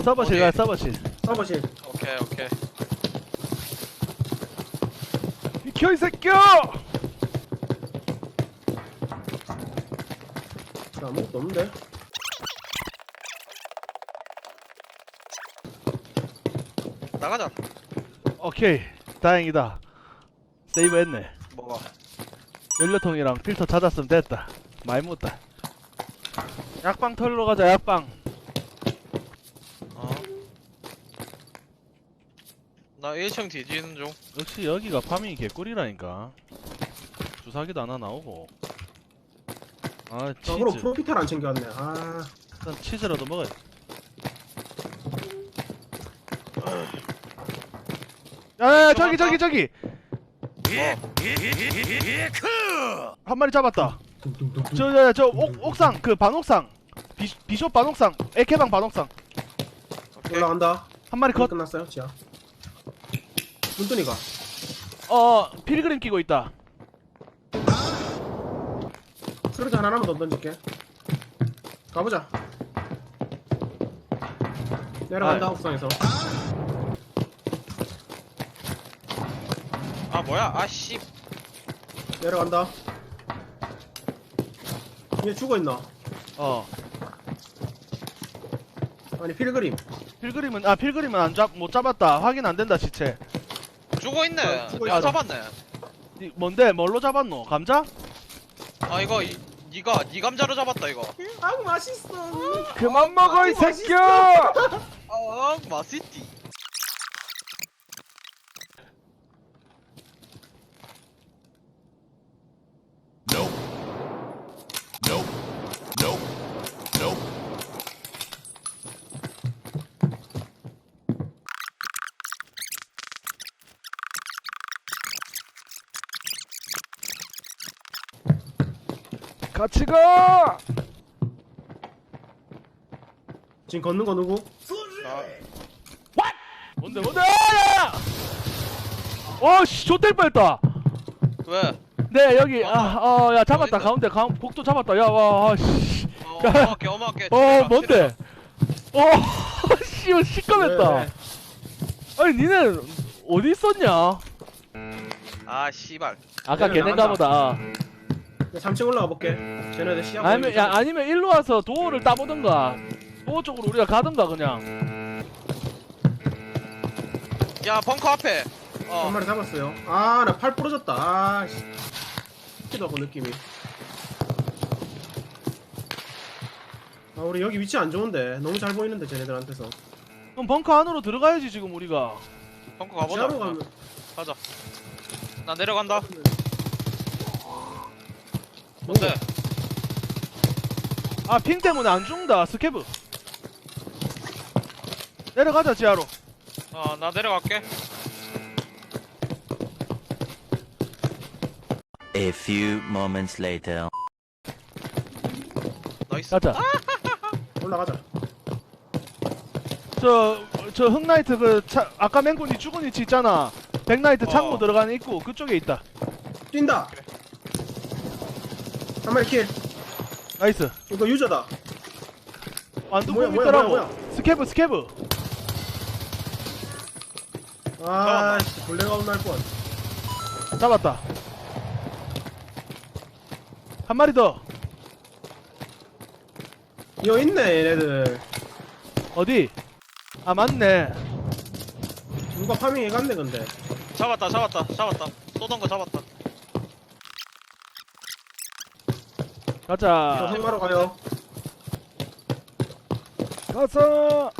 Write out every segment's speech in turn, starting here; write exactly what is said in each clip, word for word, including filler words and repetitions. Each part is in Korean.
서버실 가 서버실. 서버실. 오케이 오케이. 비켜 이 새끼야! 아무것도 없는데. 나가자. 오케이 다행이다. 세이브 했네. 뭐가? 연료통이랑 필터 찾았으면 됐다. 많이 묻다. 약방 털러 가자. 약방. 어. 나 일 층 뒤지는 중. 역시 여기가 파밍이 개꿀이라니까. 주사기도 하나 나오고. 아 저거로 치즈. 프로피탈 안 챙겨왔네. 아. 일단 치즈라도 먹어야. 야야야 저기 저기 저기 한 마리 잡았다. 저 저 옥상 그 반옥상 비, 비숍 반옥상 에케방 반옥상 올라간다. 한 마리 컷. 끝났어요, 지하. 문tun이가. 어 필그림 끼고 있다. 스르드 하나만 더 던질게. 가보자. 내려간다, 아. 옥상에서. 아 뭐야? 아씨. 내려간다. 얘 죽어있나? 어 아니, 필그림. 필그림은 아 필그림은 안 잡 못 잡았다. 확인 안 된다 시체. 죽어 있네. 어, 죽어 내가 있어. 잡았네. 이, 뭔데 뭘로 잡았노? 감자? 아 이거 이, 니가 니 감자로 잡았다 이거. 아, 맛있어. 그만 먹어 이 맛있어. 새끼야. 아 맛있지. 같이 가. 지금 걷는 거 누구? 아, 뭔데 뭔데? 야야야! 어씨 좆될 뻔했다. 왜? 네 여기 아어야 잡았다. 어딨어? 가운데 가 복도 잡았다. 야와 씨. 어, 야. 어마어게 어마어게. 어 뭔데? 어씨 시꺼맸다. 네, 네. 아니 니네 어디 있었냐? 아 씨발. 아까 얘는 걔네가 나간다. 보다. 야, 삼 층 올라가 볼게. 쟤네들 시야 아니면 보이게 야 아니면 일로 와서 도어를 따보든가. 도어 쪽으로 우리가 가든가 그냥. 야 벙커 앞에. 한 어. 마리 잡았어요. 아, 나 팔 부러졌다. 아, 씨. 기도 하고 느낌이. 아, 우리 여기 위치 안 좋은데. 너무 잘 보이는데, 쟤네들한테서. 그럼 벙커 안으로 들어가야지 지금 우리가. 벙커 가보자. 지하로 어, 가면. 가자. 나 내려간다. 뭔데? 아 핑 때문에 안 죽는다. 스케브. 내려가자 지하로. 어 나 내려갈게. A few moments later. 나이스. 가자. 올라가자. 저, 저 흑나이트 그, 차, 아까 맹군이 죽은 위치 있잖아. 백나이트 창고 어. 들어가는 입구, 그쪽에 있다. 뛴다. 한 마리 킬. 나이스. 이거 유저다. 완두콩 뭐야, 뭐야, 있더라고. 뭐야, 스케브, 스케브. 아, 씨. 벌레가 온날 뻔. 잡았다. 한 마리 더. 이거 있네, 얘네들. 어디? 아, 맞네. 누가 파밍 해갔네, 근데. 잡았다 잡았다 잡았다. 쏘던 거 잡았다. 저 가자. 생마로 가요. 가서.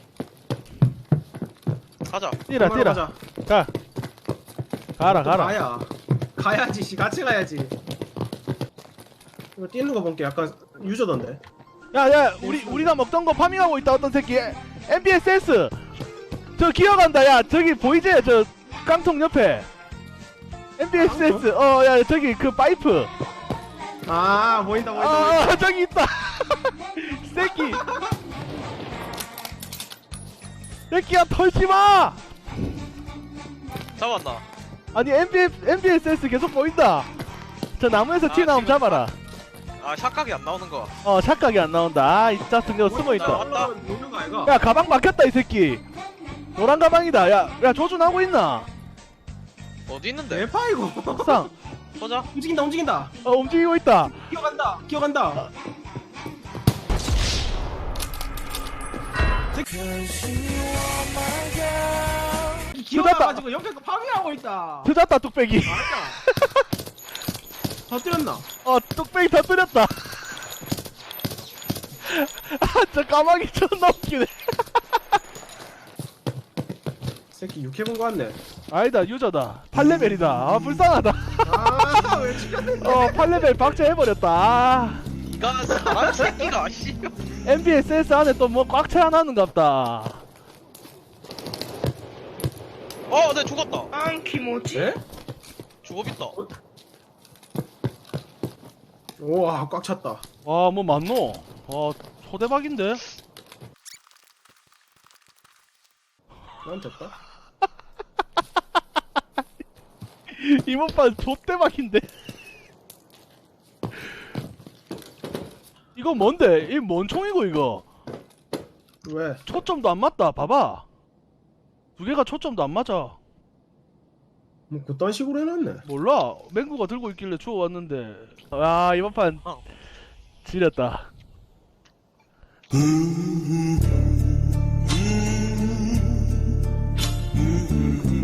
가자. 뛰라, 생마로 뛰라. 가자. 가. 가라, 또 가라. 가야. 가야지, 씨. 같이 가야지. 이거 뛰는 거 보니까 약간 유저던데. 야, 야, 우리, 우리가 먹던 거 파밍하고 있다, 어떤 새끼. 엠피에스에스. 저 기어간다, 야. 저기 보이지? 저 깡통 옆에. 엠피에스에스. 어, 야, 저기 그 파이프. 아, 보인다, 보인다. 보인다. 아, 저기 있다. 새끼. 새끼야, 털지 마. 잡았나? 아니, 엠피에스, 엠피에스에스 계속 보인다. 저 나무에서 아, 튀어나오면 지금 잡아라. 아 샷각이 안 나오는 거. 어 착각이 안 나온다. 아 진짜 등려 숨어있다. 왔다. 모르는 거 아이가? 야 가방 막혔다 이 새끼. 노란 가방이다. 야야 조준하고 있나? 어디 있는데? 대파 이거. 상. 보자. 움직인다 움직인다. 어 움직이고 있다. 기어간다 기어간다. 기어가가지고 옆에서 파밍하고 있다. 터졌다 뚝배기. 맞아. 터뜨렸나? 어 뚝배기 터뜨렸다. 아저 가방이 존나 웃기네. 새끼 육해본 거 같네. 아니다 유저다. 팔 레벨이다. 아 불쌍하다. 아왜 죽였는데? 어 팔 레벨 박제해버렸다. 아, 니가 사람 새끼가 씨. 엠비에스에스 안에 또 뭐 꽉 채워놨는갑다. 어, 내 죽었다. 네? 죽어 있다. 우와 꽉 찼다. 와 뭐 맞노? 와 초대박인데? 난 됐다. 이번판 좆대박인데? 이거 뭔데? 이 뭔 총이고 이거? 왜? 초점도 안 맞다. 봐봐. 두 개가 초점도 안 맞아. 뭐 그딴 식으로 해놨네. 몰라. 맹구가 들고 있길래 주워왔는데. 아 이번판 어. 지렸다. Mm-hmm.